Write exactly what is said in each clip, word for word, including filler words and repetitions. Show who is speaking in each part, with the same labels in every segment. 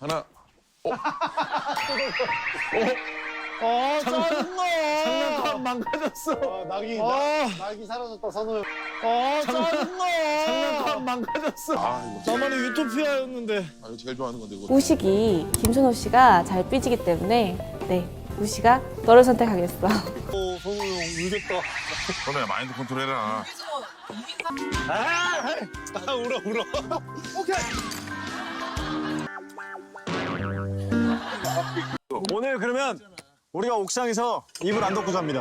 Speaker 1: 하나. 어?
Speaker 2: 아, 짜증나.
Speaker 1: 장난감 망가졌어.
Speaker 3: 아, 낙이,
Speaker 2: 아.
Speaker 3: 낙, 낙이 사라졌다, 선우 형.
Speaker 2: 아, 짜증나.
Speaker 1: 장난감 망가졌어. 아, 이거,
Speaker 2: 나만의 유토피아였는데.
Speaker 1: 아, 이거 제일 좋아하는 건데, 이거.
Speaker 4: 우식이 김선호 씨가 잘 삐지기 때문에 네, 우식아 너를 선택하겠어.
Speaker 2: 어, 선우 형 울겠다.
Speaker 1: 선우야, 마인드 컨트롤 해라.
Speaker 2: 아, 울어, 울어.
Speaker 5: 오늘 그러면 우리가 옥상에서 이불 안 덮고 잡니다.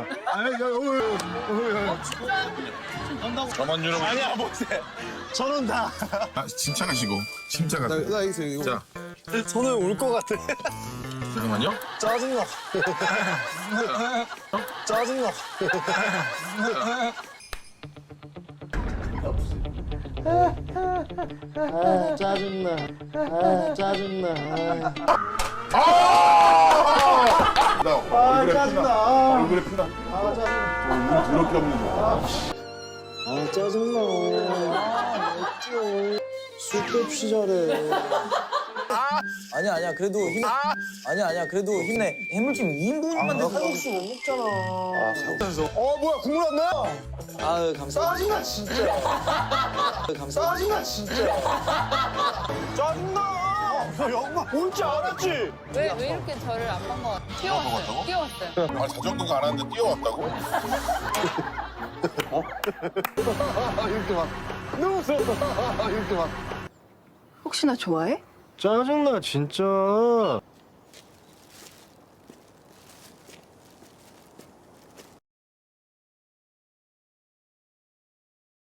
Speaker 1: 저만 유럽.
Speaker 5: 아니야, 못해. 저는 다.
Speaker 1: 아, 침착하시고. 침착하세요.
Speaker 3: 나 이거, 이거.
Speaker 1: 자,
Speaker 5: 저는 울 것 같아.
Speaker 1: 잠깐만요.
Speaker 5: 짜증나. 짜증나.
Speaker 3: 아, 짜증나. 아, 짜증나. 아,
Speaker 1: 나
Speaker 3: 아 짜증나.
Speaker 1: 얼굴에 피나.
Speaker 3: 아, 짜증나.
Speaker 1: 더럽게 없는 거.
Speaker 3: 아, 짜증나. 아, 어쩌. 쓸데없이 잘해.
Speaker 6: 아니야 아니야 그래도 힘 아니야 아니야 그래도 힘내 해물찜 이 인분만
Speaker 3: 칼국수 못 먹잖아.
Speaker 5: 어, 뭐야, 국물 안 나?
Speaker 6: 아유 감사합니다
Speaker 3: 짜증나, 진짜.
Speaker 6: 감사합니다
Speaker 3: 짜증나, 진짜.
Speaker 5: 짜증나. 영마 올줄 알았지?
Speaker 7: 왜, 왜 이렇게 저를 안 본 것 같아요? 뛰어왔어요. 뛰어왔어요.
Speaker 1: 아, 자전거가 안 왔는데 뛰어왔다고?
Speaker 3: 이렇게 막. 누웠어. 이렇게 막.
Speaker 7: 혹시 나 좋아해?
Speaker 3: 짜증나, 진짜.